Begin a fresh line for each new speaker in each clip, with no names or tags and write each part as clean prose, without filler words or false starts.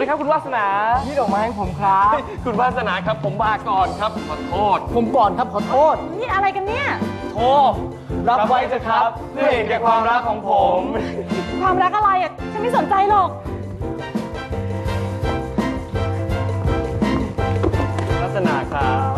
ครับคุณวาสนานี่ดอกไม้ของผมครับคุณวาสนาครับผมมาก่อนครับขอโทษผมก่อนครับขอโทษ
นี่อะไรกันเนี่ย
โทษรับไว้เถอะครับเพื่อเห็นแก่ความรักของผม
ความรักอะไรอ่ะฉันไม่สนใจหรอก
วาสนาครับ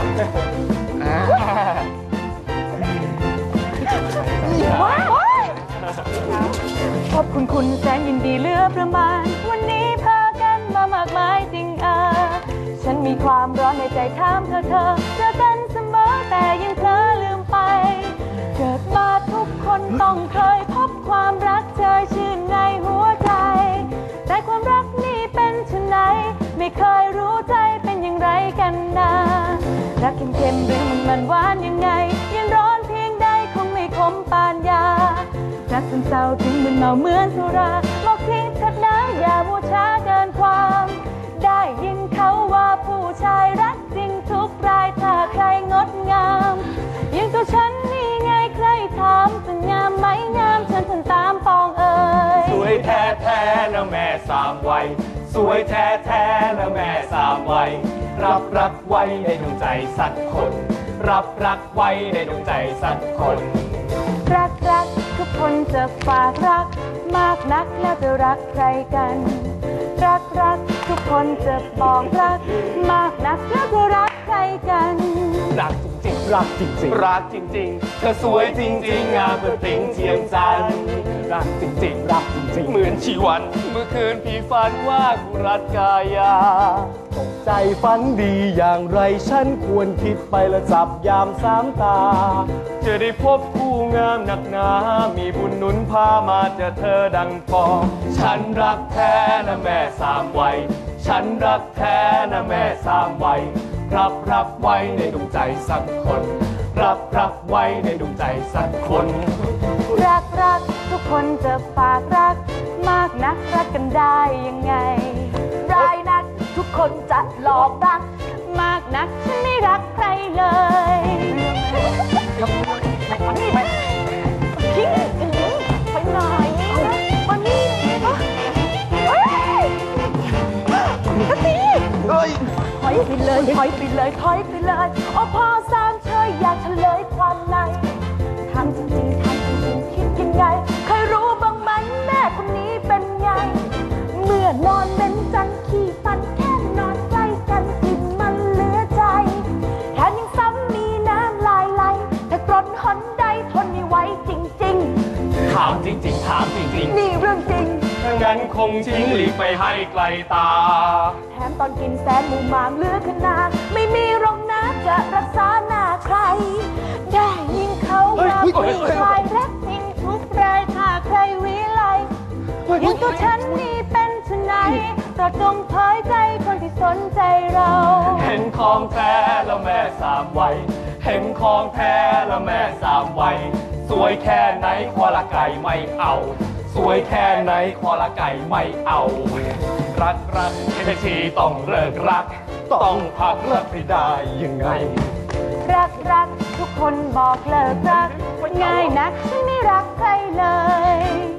ขอบคุณแสนยินดีเหลือประมาณวันนี้พากันมามากมายจริงฉันมีความร้อนในใจถามเธอเจอกันเสมอแต่ยังเพลอลืมไปเกิดมาทุกคนต้องเคยพบความรักเชยชื่นในหัวใจแต่ความรักนี่เป็นเช่นไหนไม่เคยรู้ใจเป็นอย่างไรกันนะรักเข้มๆหรือมันหวานยังไงยังร้อนเพียงใดคงไม่ขมปานยารักซึมเศร้าถึงมึนเมาเหมือนสุราบอกทิ้งเถิดนะอย่ามัวช้าเกินความได้ยินเขาว่าผู้ชายรักจริงทุกรายถ้าใครงดงามยังตัวฉันนี่ไงใครถามจะงามไหมงามฉันตามปองเอ่ย
สวยแท้ๆนะแม่สามวัยสวยแท้ๆนะแม่สามวัยรับรักไว้ในดวงใจสักคนรับรักไว้ในดวงใจสักคน
รักทุกคนจะฝากรักมากนักแล้วจะรักใครกันรักทุกคนจะบอกรักมากนักแล้วจะรักใครกัน
รักจริงรักจริงรักจริงเธอสวยจริงงามเพื่อปริงเทียมจันทร์รักจริงรักจริงเหมือนชีวันเมื่อคืนพี่ฝันว่ากุรัตกายาตกใจฝันดีอย่างไรฉันควรคิดไปและจับยามสามตาจะได้พบคู่งามหนักหนามีบุญหนุนพามาเจอเธอดังปองฉันรักแท้นะแม่สามวัยฉันรักแท้นะแม่สามวัยรับไว้ในดวงใจสักคนรับไว้ในดวงใจสักคน
รักทุกคนจะฝากรักมากนักรักกันได้ยังไงร้ายนักทุกคนจะหลอกรักมากนักฉันไม่รักใครเลยนี่ไปทิ้งไปหน่อยมานี่ก็สิถอยไปเลยถอยไปเลยโอ้พ่อสามเชยอยากเฉลยความในทำจริงคิดยังไงเคยรู้บ้างไหมแม่คนนี้เป็นไงเมื่อนอนเป็นจันขี้ฟันแค่นอนใกล้กันกลิ่นมันเหลือใจแถมยังซ้ำมีน้ำลายไหลแต่กรดหนใดทนไม่ไหวจริง
ถามจริง
นี่เรื่องจริง
งั้นคงทิ้งหลีกไปให้ไกลตา
แถมตอนกินแสนมูมามเหลือขนาดไม่มีรองน้ำจะรักษาหน้าใครได้ยินเขาว่าผู้ชายรักจริงทุกรายถ้าใครวิไลยังตัวฉันนี่เป็นชะไหนโปรดจงเผยใจคนที่สนใจเรา
เห็นของแท้แล้วแม่สามวัยเห็นของแท้แล้วแม่สามวัยสวยแค่ไหนคอละไก่ไม่เอาสวยแค่ไหนคอละไก่ไม่เอารักแค่ทีต้องเลิกรักต้องพักเลิกไม่ได้ยังไง
รักทุกคนบอกเลิกรักง่ายนักฉันไม่รักใครเลย